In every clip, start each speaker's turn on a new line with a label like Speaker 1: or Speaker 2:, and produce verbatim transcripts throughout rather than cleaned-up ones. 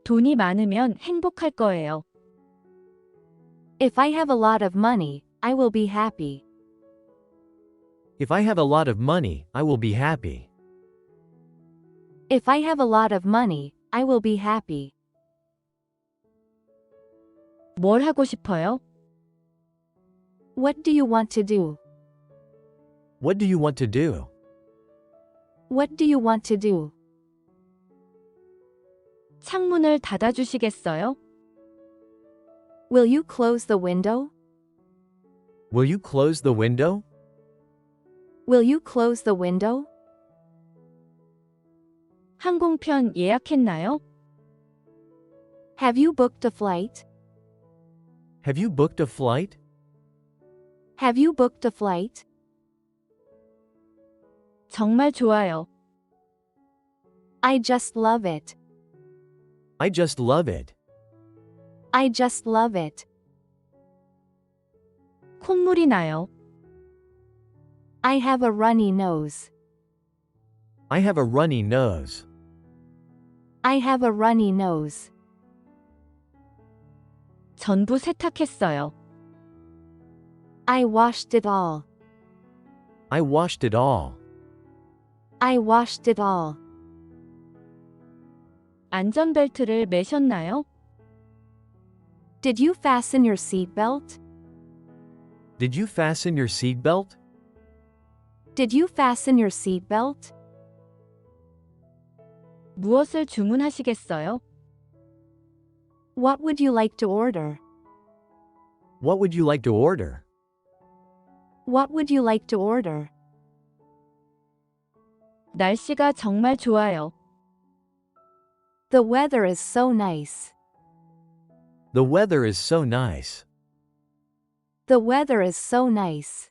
Speaker 1: 돈이 많으면 행복할 거예요.
Speaker 2: If I have a lot of money, I will be happy.
Speaker 3: If I have a lot of money, I will be happy.
Speaker 2: If I have a lot of money, I will be happy.
Speaker 1: 뭘 하고 싶어요?
Speaker 2: What do you want to do?
Speaker 3: What do you want to do?
Speaker 2: What do you want to do?
Speaker 1: 창문을 닫아주시겠어요?
Speaker 2: Will you close the window?
Speaker 3: Will you close the window?
Speaker 2: Will you close the window?
Speaker 1: 항공편 예약했나요?
Speaker 2: Have you booked a flight?
Speaker 3: Have you booked a flight?
Speaker 2: Have you booked a flight?
Speaker 1: 정말 좋아요.
Speaker 2: I just love it.
Speaker 3: I just love it.
Speaker 2: I just love it.
Speaker 1: 콧물이 나요.
Speaker 2: I have a runny nose.
Speaker 3: I have a runny nose.
Speaker 2: I have a runny nose.
Speaker 1: 전부 세탁했어요.
Speaker 2: I washed it all.
Speaker 3: I washed it all.
Speaker 2: I washed it all.
Speaker 1: 안전벨트를 매셨나요?
Speaker 2: Did you fasten your seatbelt?
Speaker 3: Did you fasten your seatbelt?
Speaker 2: Did you fasten your seatbelt?
Speaker 1: 무엇을 주문하시겠어요?
Speaker 2: What would you like to order?
Speaker 3: What would you like to order?
Speaker 2: What would you like to order?
Speaker 1: 날씨가 정말 좋아요.
Speaker 2: The weather is so nice.
Speaker 3: The weather is so nice.
Speaker 2: The weather is so nice.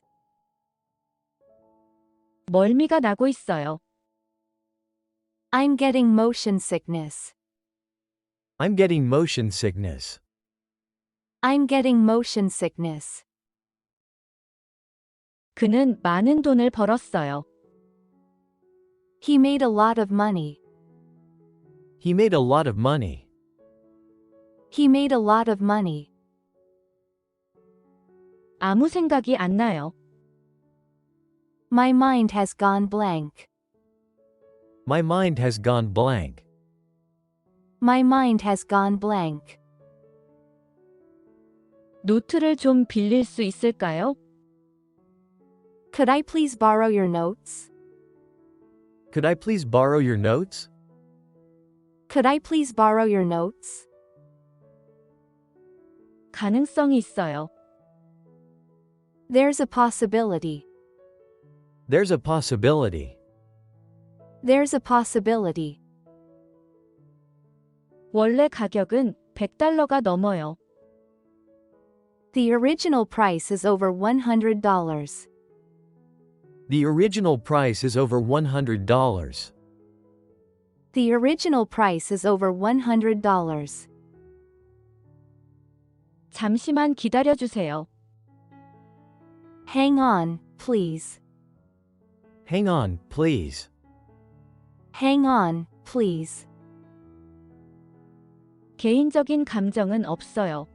Speaker 1: 멀미가 나고 있어요.
Speaker 2: I'm getting motion sickness.
Speaker 3: I'm getting motion sickness.
Speaker 2: I'm getting motion sickness.
Speaker 1: 그는 많은 돈을 벌었어요.
Speaker 2: He made a lot of money.
Speaker 3: He made a lot of money.
Speaker 2: He made a lot of money.
Speaker 1: 아무 생각이 안 나요.
Speaker 2: My mind has gone blank.
Speaker 3: My mind has gone blank.
Speaker 2: My mind has gone blank.
Speaker 1: 노트를 좀 빌릴 수 있을까요?
Speaker 2: Could I please borrow your notes?
Speaker 3: Could I please borrow your notes?
Speaker 2: Could I please borrow your notes?
Speaker 1: 가능성이 있어요.
Speaker 2: There's a possibility.
Speaker 3: There's a possibility.
Speaker 2: There's a possibility.
Speaker 1: 원래 가격은 백 달러가 넘어요.
Speaker 2: The original price is over one hundred dollars.
Speaker 3: The original price is over one hundred dollars.
Speaker 2: The original price is over one hundred dollars.
Speaker 1: 잠시만 기다려주세요.
Speaker 2: Hang on, please.
Speaker 3: Hang on, please.
Speaker 2: Hang on, please.
Speaker 1: 개인적인 감정은 없어요.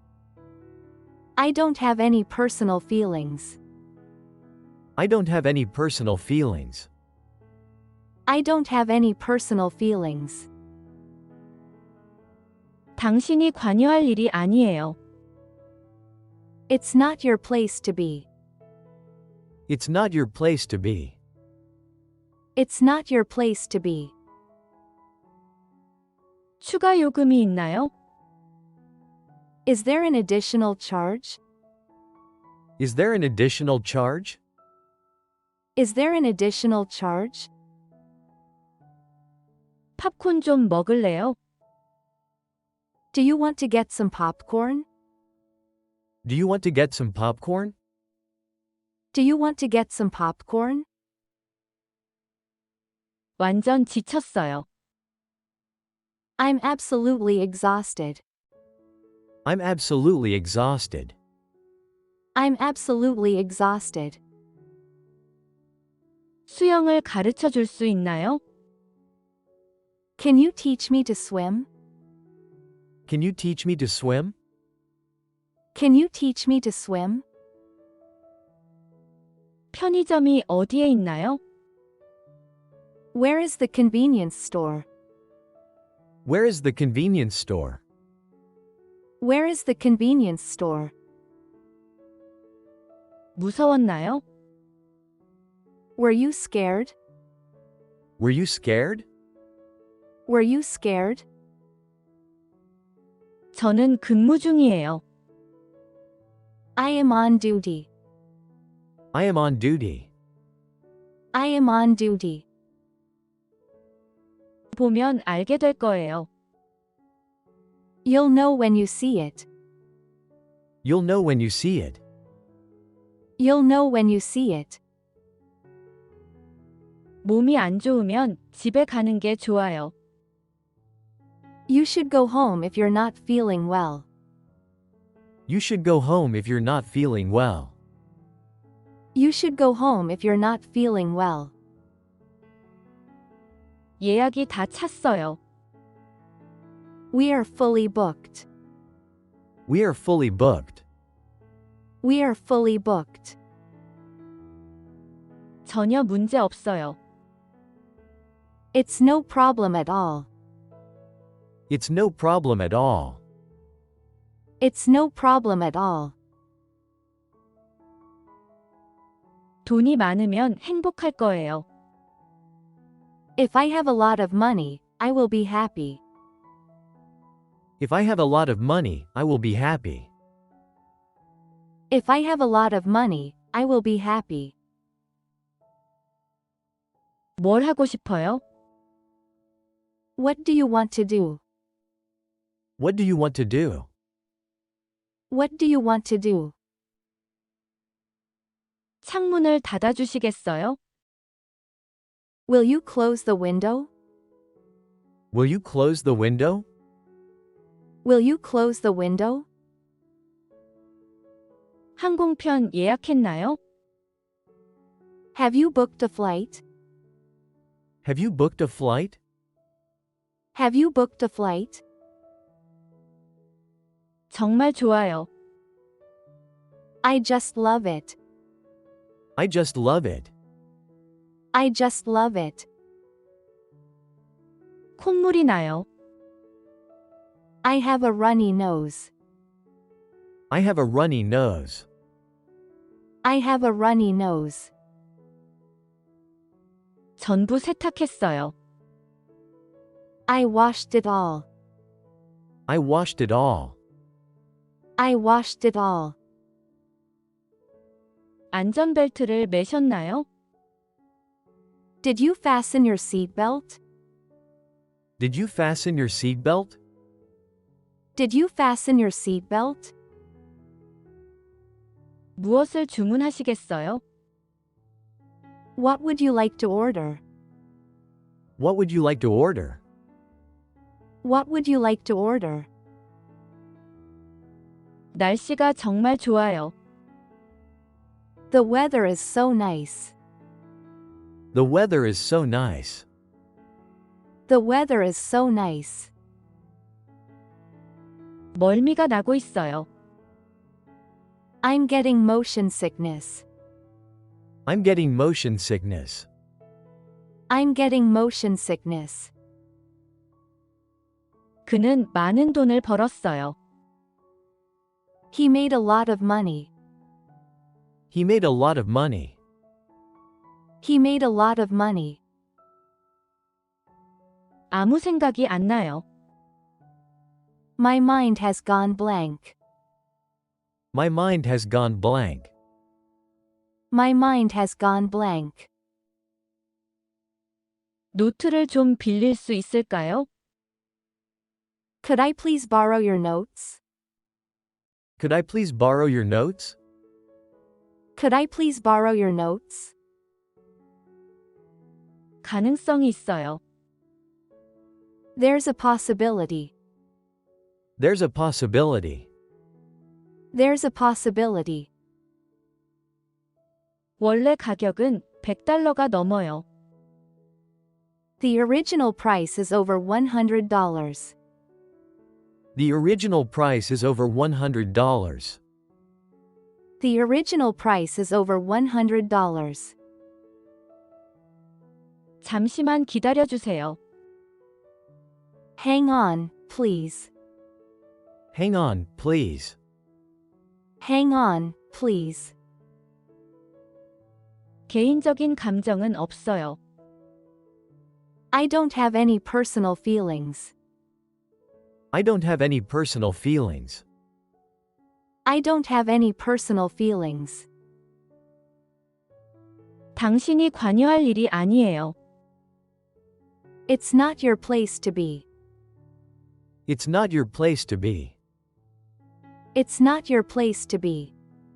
Speaker 2: I don't have any personal feelings.
Speaker 3: I don't have any personal feelings.
Speaker 2: I don't have any personal feelings.
Speaker 1: 당신이 관여할 일이 아니에요.
Speaker 2: It's not your place to be.
Speaker 3: It's not your place to be.
Speaker 2: It's not your place to be.
Speaker 1: 추가 요금이 있나요?
Speaker 2: Is there an additional charge?
Speaker 3: Is there an additional charge?
Speaker 2: Is there an additional charge?
Speaker 1: 팝콘 좀 먹을래요?
Speaker 2: Do you want to get some popcorn?
Speaker 3: Do you want to get some popcorn?
Speaker 2: Do you want to get some popcorn?
Speaker 1: 완전 지쳤어요.
Speaker 2: I'm absolutely exhausted.
Speaker 3: I'm absolutely exhausted.
Speaker 2: I'm absolutely exhausted.
Speaker 1: 수영을 가르쳐 줄 수 있나요?
Speaker 2: Can you teach me to swim?
Speaker 3: Can you teach me to swim?
Speaker 2: Can you teach me to swim?
Speaker 1: 편의점이 어디에 있나요?
Speaker 2: Where is the convenience store?
Speaker 3: Where is the convenience store?
Speaker 2: Where is the convenience store?
Speaker 1: 무서웠나요?
Speaker 2: Were you scared?
Speaker 3: Were you scared?
Speaker 2: Were you scared?
Speaker 1: 저는 근무 중이에요.
Speaker 2: I am on duty.
Speaker 3: I am on duty.
Speaker 2: I am on duty.
Speaker 1: 보면 알게 될 거예요.
Speaker 2: You'll know when you see it.
Speaker 3: You'll know when you see it.
Speaker 2: You'll know when you see it.
Speaker 1: 몸이 안 좋으면 집에 가는 게 좋아요.
Speaker 2: You should go home if you're not feeling well.
Speaker 3: You should go home if you're not feeling well.
Speaker 2: You should go home if you're not feeling well.
Speaker 1: 예약이 다 찼어요.
Speaker 2: We are fully booked.
Speaker 3: We are fully booked.
Speaker 2: We are fully booked.
Speaker 1: 전혀 문제 없어요.
Speaker 2: It's no problem at all.
Speaker 3: It's no problem at all.
Speaker 2: It's no problem at all.
Speaker 1: 돈이 많으면 행복할 거예요.
Speaker 2: If I have a lot of money, I will be happy.
Speaker 3: If I have a lot of money, I will be happy.
Speaker 2: If I have a lot of money, I will be happy.
Speaker 1: 뭘 하고 싶어요?
Speaker 2: What do you want to do?
Speaker 3: What do you want to do?
Speaker 2: What do you want to do?
Speaker 1: 창문을 닫아주시겠어요?
Speaker 2: Will you close the window?
Speaker 3: Will you close the window?
Speaker 2: Will you close the window?
Speaker 1: 항공편 예약했나요?
Speaker 2: Have you booked a flight?
Speaker 3: Have you booked a flight?
Speaker 2: Have you booked a flight?
Speaker 1: 정말 좋아요.
Speaker 2: I just love it.
Speaker 3: I just love it.
Speaker 2: I just love it.
Speaker 1: 콧물이 나요.
Speaker 2: I have a runny nose.
Speaker 3: I have a runny nose.
Speaker 2: I have a runny nose.
Speaker 1: 전부 세탁했어요.
Speaker 2: I washed it all.
Speaker 3: I washed it all.
Speaker 2: I washed it all.
Speaker 1: 안전벨트를 매셨나요?
Speaker 2: Did you fasten your seatbelt?
Speaker 3: Did you fasten your seatbelt?
Speaker 2: Did you fasten your seatbelt?
Speaker 1: 무엇을 주문하시겠어요?
Speaker 2: What would you like to order?
Speaker 3: What would you like to order?
Speaker 2: What would you like to order?
Speaker 1: 날씨가 정말 좋아요.
Speaker 2: The weather is so nice.
Speaker 3: The weather is so nice.
Speaker 2: The weather is so nice.
Speaker 1: 멀미가 나고 있어요.
Speaker 2: I'm getting motion sickness.
Speaker 3: I'm getting motion sickness.
Speaker 2: I'm getting motion sickness.
Speaker 1: 그는 많은 돈을 벌었어요.
Speaker 2: He made a lot of money.
Speaker 3: He made a lot of money.
Speaker 2: He made a lot of money.
Speaker 1: 아무 생각이 안 나요.
Speaker 2: My mind has gone blank.
Speaker 3: My mind has gone blank.
Speaker 2: My mind has gone blank.
Speaker 1: 노트를 좀 빌릴 수 있을까요?
Speaker 2: Could I please borrow your notes?
Speaker 3: Could I please borrow your notes?
Speaker 2: Could I please borrow your notes?
Speaker 1: 가능성이 있어요.
Speaker 2: There's a possibility.
Speaker 3: There's a possibility.
Speaker 2: There's a possibility.
Speaker 1: 원래 가격은 백 달러가 넘어요.
Speaker 2: The original price is over one hundred dollars.
Speaker 3: The original price is over one hundred dollars.
Speaker 2: The original price is over one hundred dollars.
Speaker 1: 잠시만 기다려주세요.
Speaker 2: Hang on, please.
Speaker 3: Hang on, please.
Speaker 2: Hang on, please.
Speaker 1: 개인적인 감정은 없어요.
Speaker 2: I don't have any personal feelings.
Speaker 3: I don't have any personal feelings.
Speaker 2: I don't have any personal feelings.
Speaker 1: 당신이 관여할 일이 아니에요.
Speaker 2: It's not your place to be.
Speaker 3: It's not your place to be.
Speaker 2: It's not your place to be.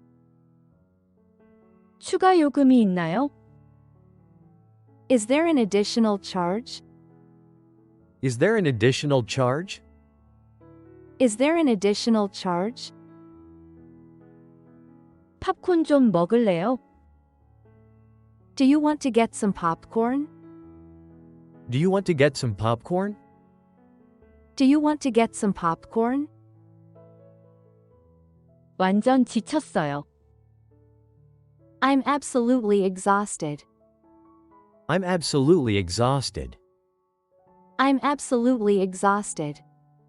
Speaker 1: 추가 요금이 있나요?
Speaker 2: Is there an additional charge?
Speaker 3: Is there an additional charge?
Speaker 2: Is there an additional charge?
Speaker 1: 팝콘 좀 먹을래요?
Speaker 2: Do you want to get some popcorn?
Speaker 3: Do you want to get some popcorn?
Speaker 2: Do you want to get some popcorn?
Speaker 1: 완전 지쳤어요.
Speaker 2: I'm absolutely exhausted.
Speaker 3: I'm absolutely exhausted.
Speaker 2: I'm absolutely exhausted.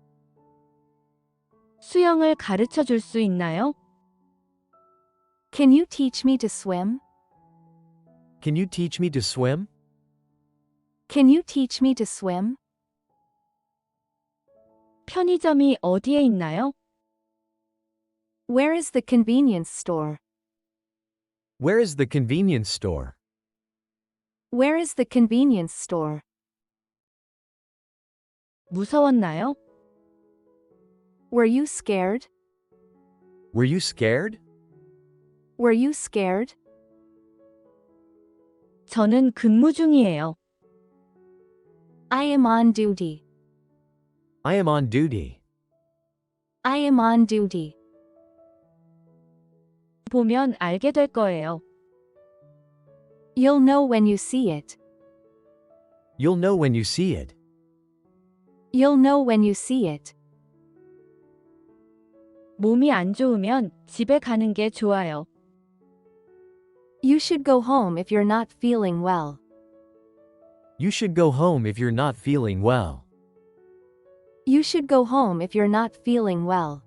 Speaker 1: 수영을 가르쳐 줄 수 있나요?
Speaker 2: Can you teach me to swim?
Speaker 3: Can you teach me to swim?
Speaker 2: Can you teach me to swim?
Speaker 1: 편의점이 어디에 있나요?
Speaker 2: Where is the convenience store?
Speaker 3: Where is the convenience store?
Speaker 2: Where is the convenience store?
Speaker 1: 무서웠나요?
Speaker 2: Were you scared?
Speaker 3: Were you scared?
Speaker 2: Were you scared?
Speaker 1: 저는 근무 중이에요.
Speaker 2: I am on duty.
Speaker 3: I am on duty.
Speaker 2: I am on duty.
Speaker 1: 보면 알게 될 거예요.
Speaker 2: You'll know when you see it.
Speaker 3: You'll know when you see it.
Speaker 2: You'll know when you see it.
Speaker 1: 몸이 안 좋으면 집에 가는 게 좋아요.
Speaker 2: You should go home if you're not feeling well.
Speaker 3: You should go home if you're not feeling well.
Speaker 2: You should go home if you're not feeling well.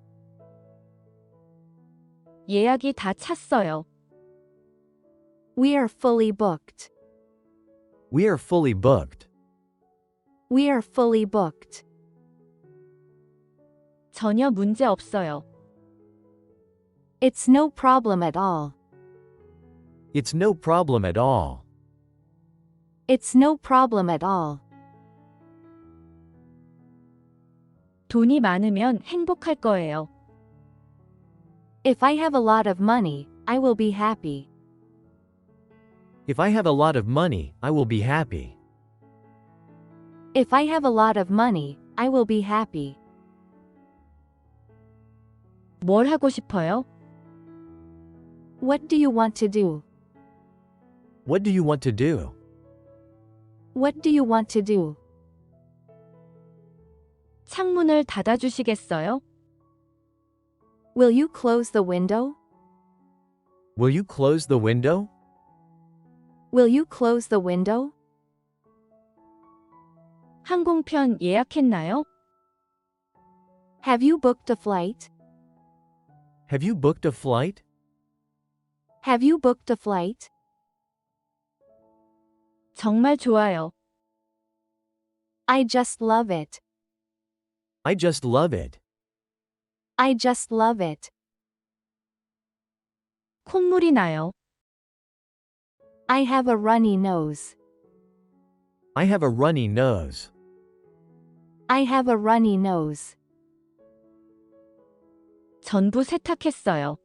Speaker 1: 예약이 다 찼어요.
Speaker 2: We are fully booked.
Speaker 3: We are fully booked.
Speaker 2: We are fully booked.
Speaker 1: 전혀 문제 없어요.
Speaker 2: It's no problem at all.
Speaker 3: It's no problem at all.
Speaker 2: It's no problem at all.
Speaker 1: 돈이 많으면 행복할 거예요.
Speaker 2: If I have a lot of money, I will be happy.
Speaker 3: If I have a lot of money, I will be happy.
Speaker 2: If I have a lot of money, I will be happy.
Speaker 1: 뭘 하고 싶어요?
Speaker 2: What do you want to do?
Speaker 3: What do you want to do?
Speaker 2: What do you want to do?
Speaker 1: 창문을 닫아주시겠어요?
Speaker 2: Will you close the window?
Speaker 3: Will you close the window?
Speaker 2: Will you close the window?
Speaker 1: 항공편 예약했나요?
Speaker 2: Have you booked a flight?
Speaker 3: Have you booked a flight?
Speaker 2: Have you booked a flight?
Speaker 1: 정말 좋아요.
Speaker 2: I just love it.
Speaker 3: I just love it.
Speaker 2: I just love it.
Speaker 1: 콧물이 나요.
Speaker 2: I have a runny nose.
Speaker 3: I have a runny nose.
Speaker 2: I have a runny nose.
Speaker 1: 전부 세탁했어요.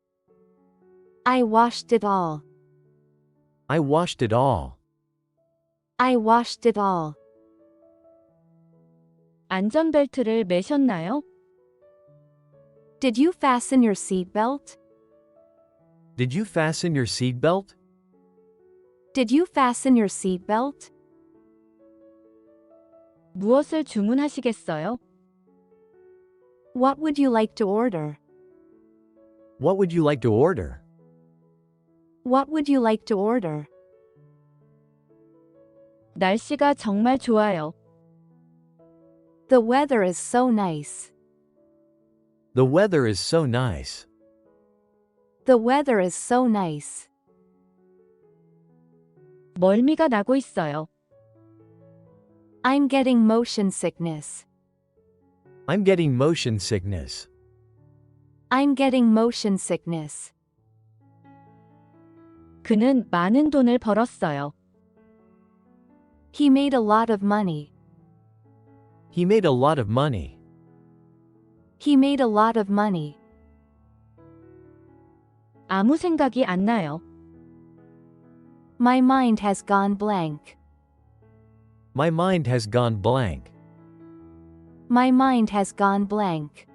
Speaker 2: I washed it all.
Speaker 3: I washed it all.
Speaker 2: I washed it all.
Speaker 1: 안전벨트를 매셨나요?
Speaker 2: Did you fasten your seatbelt?
Speaker 3: Did you fasten your seatbelt?
Speaker 2: Did you fasten your seatbelt?
Speaker 1: 무엇을 주문하시겠어요?
Speaker 2: What would you like to order?
Speaker 3: What would you like to order?
Speaker 2: What would you like to order?
Speaker 1: 날씨가 정말 좋아요.
Speaker 2: The weather is so nice.
Speaker 3: The weather is so nice.
Speaker 2: The weather is so nice.
Speaker 1: 멀미가 나고 있어요.
Speaker 2: I'm getting motion sickness.
Speaker 3: I'm getting motion sickness.
Speaker 2: I'm getting motion sickness.
Speaker 1: 그는 많은 돈을 벌었어요.
Speaker 2: He made a lot of money.
Speaker 3: He made a lot of money.
Speaker 2: He made a lot of money.
Speaker 1: 아무 생각이 안 나요.
Speaker 2: My mind has gone blank.
Speaker 3: My mind has gone blank.
Speaker 2: My mind has gone blank.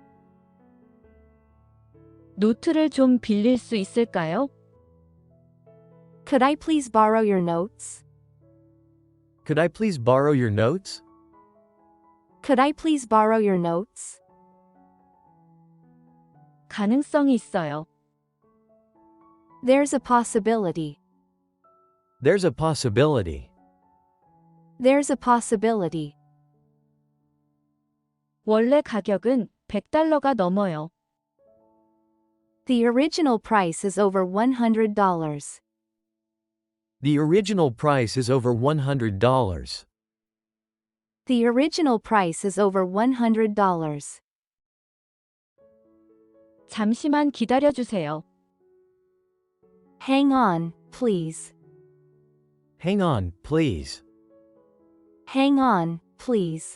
Speaker 1: 노트를 좀 빌릴 수 있을까요?
Speaker 2: Could I please borrow your notes?
Speaker 3: Could I please borrow your notes?
Speaker 2: Could I please borrow your notes?
Speaker 1: 가능성이 있어요.
Speaker 2: There's a possibility.
Speaker 3: There's a possibility.
Speaker 2: There's a possibility.
Speaker 1: 원래 가격은 백 달러가 넘어요.
Speaker 2: The original price is over one hundred dollars.
Speaker 3: The original price is over one hundred dollars.
Speaker 2: The original price is over one hundred dollars.
Speaker 1: 잠시만 기다려주세요.
Speaker 2: Hang on, please.
Speaker 3: Hang on, please.
Speaker 2: Hang on, please.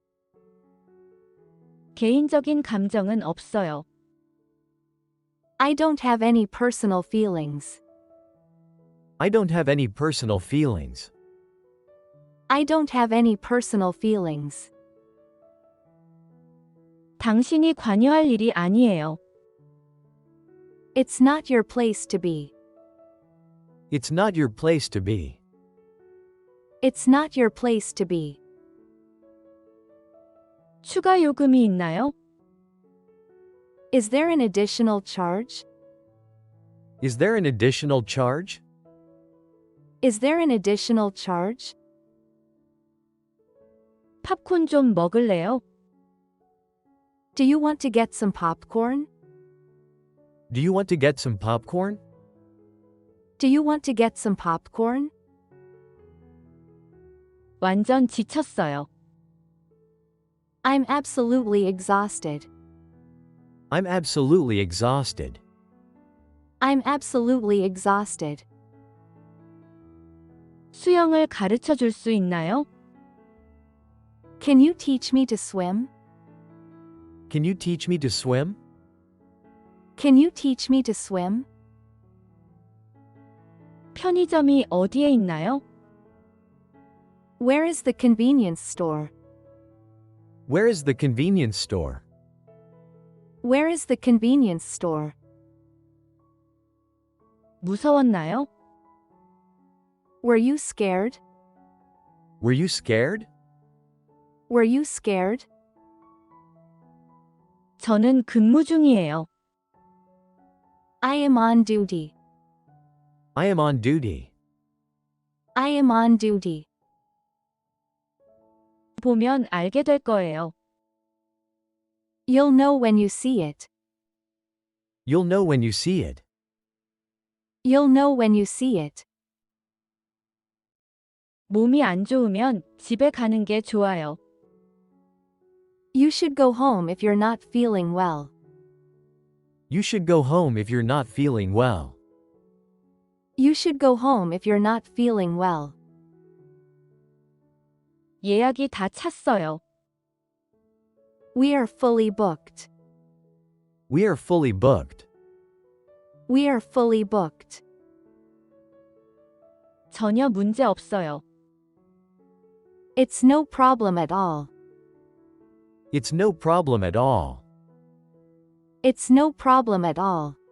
Speaker 1: 개인적인 감정은 없어요.
Speaker 2: I don't have any personal feelings.
Speaker 3: I don't have any personal feelings.
Speaker 2: I don't have any personal feelings.
Speaker 1: 당신이 관여할 일이 아니에요.
Speaker 2: It's not your place to be.
Speaker 3: It's not your place to be.
Speaker 2: It's not your place to be.
Speaker 1: 추가 요금이 있나요?
Speaker 2: Is there an additional charge?
Speaker 3: Is there an additional charge?
Speaker 2: Is there an additional charge?
Speaker 1: 팝콘 좀 먹을래요?
Speaker 2: Do you want to get some popcorn?
Speaker 3: Do you want to get some popcorn?
Speaker 2: Do you want to get some popcorn?
Speaker 1: 완전 지쳤어요.
Speaker 2: I'm absolutely exhausted.
Speaker 3: I'm absolutely exhausted.
Speaker 2: I'm absolutely exhausted.
Speaker 1: 수영을 가르쳐 줄 수 있나요?
Speaker 2: Can you teach me to swim?
Speaker 3: Can you teach me to swim?
Speaker 2: Can you teach me to swim?
Speaker 1: 편의점이 어디에 있나요?
Speaker 2: Where is the convenience store?
Speaker 3: Where is the convenience store?
Speaker 2: Where is the convenience store?
Speaker 1: 무서웠나요?
Speaker 2: Were you scared?
Speaker 3: Were you scared?
Speaker 2: Were you scared?
Speaker 1: 저는 근무 중이에요.
Speaker 2: I am on duty.
Speaker 3: I am on duty.
Speaker 2: I am on duty.
Speaker 1: 보면 알게 될 거예요.
Speaker 2: You'll know when you see it.
Speaker 3: You'll know when you see it.
Speaker 2: You'll know when you see it.
Speaker 1: 몸이 안 좋으면 집에 가는 게 좋아요.
Speaker 2: You should go home if you're not feeling well.
Speaker 3: You should go home if you're not feeling well.
Speaker 2: You should go home if you're not feeling well.
Speaker 1: 예약이 다 찼어요.
Speaker 2: We are fully booked.
Speaker 3: We are fully booked.
Speaker 2: We are fully booked.
Speaker 1: 전혀 문제 없어요.
Speaker 2: It's no problem at all.
Speaker 3: It's no problem at all.
Speaker 2: It's no problem at all.